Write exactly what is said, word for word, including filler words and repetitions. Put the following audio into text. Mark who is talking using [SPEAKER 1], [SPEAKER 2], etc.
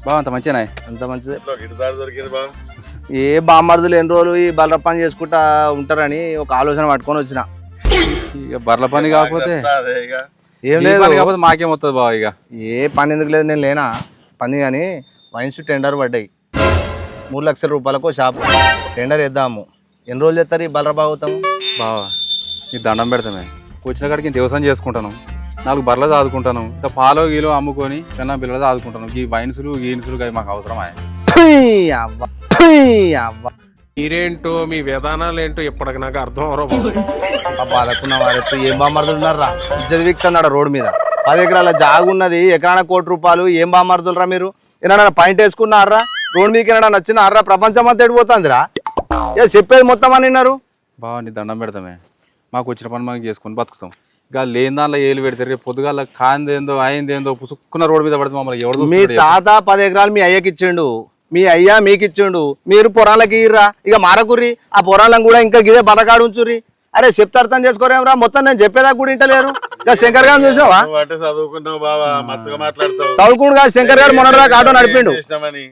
[SPEAKER 1] బావ అంత మంచిగానే
[SPEAKER 2] అంత మంచిదే.
[SPEAKER 3] దొరికింది బా.
[SPEAKER 2] ఏ బామ్మర్దులు ఎన్ని రోజులు ఈ బర్ర పని చేసుకుంటా ఉంటారని ఒక ఆలోచన పట్టుకొని వచ్చిన.
[SPEAKER 1] ఇక బర్ల పని కాకపోతే
[SPEAKER 3] అదే ఇక
[SPEAKER 2] ఏం
[SPEAKER 1] ఈ
[SPEAKER 2] లేదు
[SPEAKER 1] పని కాకపోతే మాకేం వస్తుంది బావ. ఇక
[SPEAKER 2] ఏ పని ఎందుకు లేదు, నేను లేనా పని. కానీ వైన్స్ టెండర్ పడ్డాయి, మూడు లక్షల రూపాయలకు షాపు టెండర్ వేద్దాము. ఎన్ని రోజులు చేస్తారు ఈ బర్ర బాగుతాము?
[SPEAKER 1] బావ ఈ దండం పెడతామే, వచ్చిన కాడికి వ్యవసాయం చేసుకుంటాను, నాలుగు బర్రెలు చదువుకుంటాను, ఇంత పాలో గీలో అమ్ముకొని చిన్న పిల్లలు చదువుకుంటాను. ఈ వైన్సులు గీన్సులు అవి మాకు అవసరమా?
[SPEAKER 2] అవ్వ అవ్వ
[SPEAKER 4] మీరేంటో మీ విధానాలు ఏంటో ఇప్పటికి నాకు అర్థం అవరో.
[SPEAKER 2] బాధకున్న వారెత్తు ఏం బామ్మర్దులు ఉన్నారా? ఇజ్జత్ వీక్తున్నాడు రోడ్డు మీద. పది ఎకరాల జాగు ఉన్నది, ఎకరాన కోటి రూపాయలు. ఏం బామ్మర్దులరా మీరు? ఏమన్నా పాయింట్ వేసుకున్నారా? రోడ్డు మీకు ఏమన్నా నచ్చిన అర్రా? ప్రపంచం అంతా ఎడిపోతుందిరా. ఏ చెప్పేది మొత్తం అని విన్నారు.
[SPEAKER 1] బావ నీ దండం పెడతామే, మాకు వచ్చిన పని మాకు చేసుకొని బతుకుతాం. ఇక లేని దానిలో ఏలు పెడతారు, రేపు పొద్దుగాల కాందేందో అయిందేందో పుసుక్కున్న రోడ్డు మీద పడితే మమ్మల్ని ఎవరు?
[SPEAKER 2] మీ తాత పది ఎకరాలు మీ అయ్యకి ఇచ్చిండు, మీ అయ్యా మీకు ఇచ్చిండు. మీరు పొరాలకి ఇర్రా, ఇక మారకుర్రి. ఆ పొరాలను కూడా ఇంకా గిదే బతకాడు ఉంచుర్రి. అరే చెప్తే అర్థం చేసుకోరేమరా? మొత్తం నేను చెప్పేదాకా కూడా ఇంటలేరు. ఇక శంకర్ గారు చూసావా?
[SPEAKER 3] నువ్వు అంటే చదువుకుంటావు బావా, మత్తుగా మాట్లాడతావు.
[SPEAKER 2] చదువుకుడు కాదు, శంకర్ గారు మొన్నటిదాకా ఆటో నడిపిండు.
[SPEAKER 3] చేసినామని